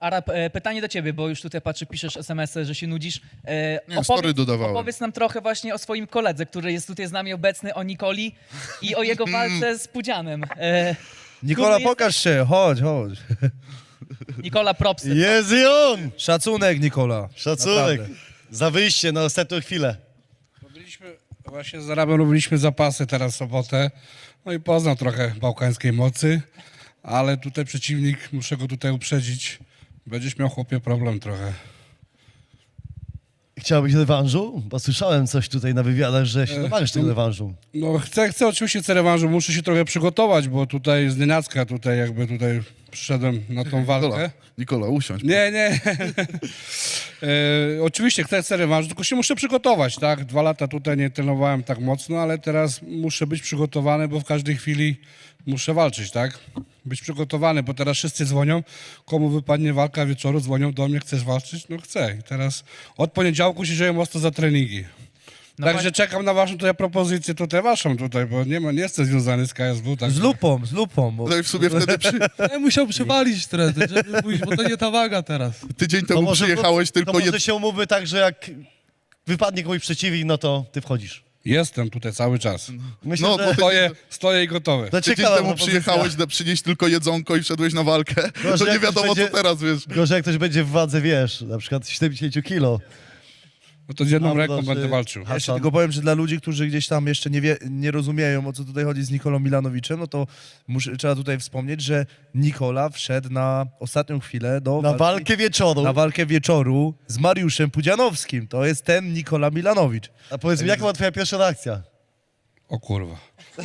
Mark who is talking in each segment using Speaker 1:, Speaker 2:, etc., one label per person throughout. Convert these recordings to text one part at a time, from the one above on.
Speaker 1: Arab, pytanie do ciebie, bo już tutaj patrzę, piszesz SMS-y, że się nudzisz.
Speaker 2: Nie, story dodawałem.
Speaker 1: Opowiedz nam trochę właśnie o swoim koledze, który jest tutaj z nami obecny, o Nikoli i o jego walce z Pudzianem.
Speaker 3: Nikola,
Speaker 1: Który
Speaker 3: pokaż się, chodź.
Speaker 1: Nikola, propsy.
Speaker 4: Jest i on!
Speaker 3: Szacunek, Nikola.
Speaker 4: Szacunek
Speaker 3: Naprawdę.
Speaker 4: za wyjście na ostatnią chwilę.
Speaker 5: Właśnie z Arabem robiliśmy zapasy teraz w sobotę. No i poznał trochę bałkańskiej mocy, ale tutaj przeciwnik, muszę go tutaj uprzedzić, będziesz miał, chłopie, problem trochę.
Speaker 4: Chciałbyś rewanżu? Bo słyszałem coś tutaj na wywiadach, że się domagasz tego rewanżu.
Speaker 5: No chcę oczywiście rewanżu, muszę się trochę przygotować, bo tutaj z nienacka tutaj przyszedłem na tą walkę.
Speaker 2: Nikola, usiądź.
Speaker 5: Nie. Oczywiście chcę rewanżu, tylko się muszę przygotować, tak? 2 lata tutaj nie trenowałem tak mocno, ale teraz muszę być przygotowany, bo w każdej chwili muszę walczyć, tak? Być przygotowany, bo teraz wszyscy dzwonią, komu wypadnie walka wieczoru, dzwonią do mnie, chcesz walczyć? No chcę. I teraz od poniedziałku się dzieje mocno za treningi.
Speaker 1: No
Speaker 5: Także czekam na waszą tutaj propozycję, waszą tutaj, bo nie jestem związany z KSW. Tak?
Speaker 3: Z lupą. Bo...
Speaker 2: No i w sumie wtedy
Speaker 6: Ja musiał przywalić trener, żeby pójść, bo to nie ta waga teraz.
Speaker 2: tydzień temu przyjechałeś tylko
Speaker 4: to może się umówmy tak, że jak wypadnie komuś przeciwnik, no to ty wchodzisz.
Speaker 5: Jestem tutaj cały czas.
Speaker 4: Myślę,
Speaker 2: No,
Speaker 4: że
Speaker 2: bo
Speaker 5: Stoję i gotowy.
Speaker 4: to
Speaker 2: tydzień
Speaker 4: ciekawa
Speaker 2: temu
Speaker 4: propozycja.
Speaker 2: przyjechałeś przynieść tylko jedzonko i wszedłeś na walkę.
Speaker 4: Gorzej,
Speaker 2: To nie
Speaker 4: jak
Speaker 2: wiadomo
Speaker 4: ktoś
Speaker 2: co
Speaker 4: będzie-
Speaker 2: teraz, wiesz.
Speaker 4: Gorzej, jak ktoś będzie w wadze, wiesz, na przykład 70 kilo.
Speaker 5: No to z jedną
Speaker 4: Mam
Speaker 5: ręką
Speaker 4: dobrze.
Speaker 5: będę walczył.
Speaker 3: Ja jeszcze tylko powiem, że dla ludzi, którzy gdzieś tam jeszcze nie rozumieją, o co tutaj chodzi z Nikolą Milanowiczem, no to trzeba tutaj wspomnieć, że Nikola wszedł na ostatnią chwilę
Speaker 4: Na walkę wieczoru.
Speaker 3: na walkę wieczoru z Mariuszem Pudzianowskim. To jest ten Nikola Milanowicz.
Speaker 4: A powiedz mi, jaka była twoja pierwsza reakcja?
Speaker 5: O kurwa.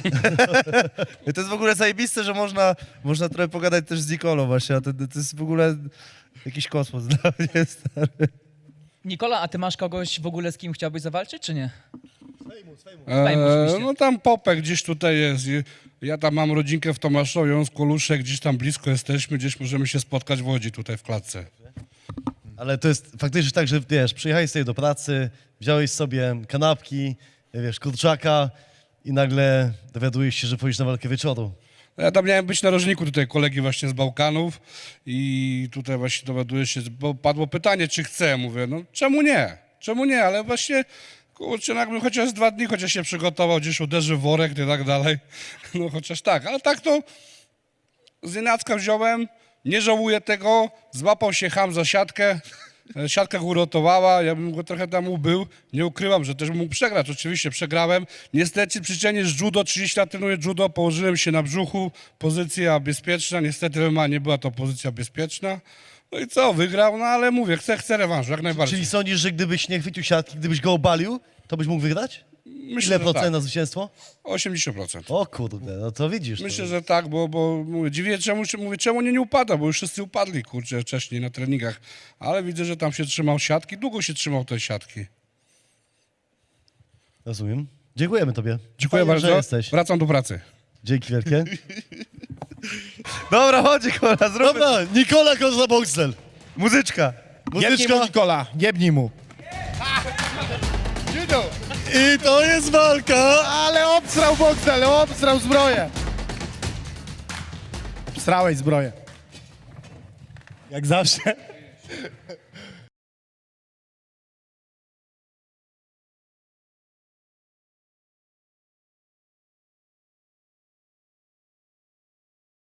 Speaker 3: I to jest w ogóle zajebiste, że można trochę pogadać też z Nikolą właśnie, a to jest w ogóle jakiś kosmos dla mnie, stary.
Speaker 1: Nikola, a ty masz kogoś w ogóle, z kim chciałbyś zawalczyć, czy nie? oczywiście.
Speaker 5: No tam Popek gdzieś tutaj jest. Ja tam mam rodzinkę w Tomaszowie, on z Koluszek, gdzieś tam blisko jesteśmy, gdzieś możemy się spotkać w Łodzi tutaj w klatce.
Speaker 4: Ale to jest faktycznie tak, że wiesz, przyjechałeś sobie do pracy, wziąłeś sobie kanapki, wiesz, kurczaka i nagle dowiadujesz się, że pójdziesz na walkę wieczoru.
Speaker 5: Ja tam miałem być narożniku tutaj kolegi właśnie z Bałkanów i tutaj właśnie dowiaduję się, bo padło pytanie, czy chcę. Mówię, no czemu nie? Czemu nie? Ale właśnie, kurczę, no jakbym chociaż 2 dni chociaż się przygotował, gdzieś uderzy w worek i tak dalej. No chociaż tak, ale tak to z nienacka wziąłem, nie żałuję tego, złapał się cham za siatkę. Siatka go uratowała, ja bym go trochę tam ubył. Nie ukrywam, że też bym mógł przegrać. Oczywiście przegrałem. Niestety przyczynie z judo, 30 lat trenuję judo, położyłem się na brzuchu, pozycja bezpieczna. Niestety MMA nie była to pozycja bezpieczna. No i co, wygrał, no ale mówię, chcę rewanżu, jak najbardziej.
Speaker 4: Czyli sądzisz, że gdybyś nie chwycił siatki, gdybyś go obalił, to byś mógł wygrać?
Speaker 5: Myślę,
Speaker 4: Ile
Speaker 5: że
Speaker 4: procent
Speaker 5: tak.
Speaker 4: na zwycięstwo?
Speaker 5: 80%.
Speaker 4: O kurde, no to widzisz.
Speaker 5: Myślę,
Speaker 4: to...
Speaker 5: że tak, bo mówię, dziwię, czemu nie upada, bo już wszyscy upadli, kurczę, wcześniej na treningach. Ale widzę, że tam się trzymał siatki, długo się trzymał tej siatki.
Speaker 4: Rozumiem. Dziękujemy tobie.
Speaker 5: Dziękuję
Speaker 4: Fajnie,
Speaker 5: bardzo,
Speaker 4: że jesteś.
Speaker 5: wracam do pracy.
Speaker 4: Dzięki wielkie.
Speaker 3: Dobra, chodź Nikola, zróbmy
Speaker 4: Dobra, Nikola Kozła Boxel.
Speaker 3: muzyczka.
Speaker 4: Muzyczka.
Speaker 6: Nikola.
Speaker 3: Jebnij mu.
Speaker 4: I to jest walka.
Speaker 6: Ale obsrał Boxel, obsrał zbroję. Obsrałeś zbroję.
Speaker 4: Jak zawsze.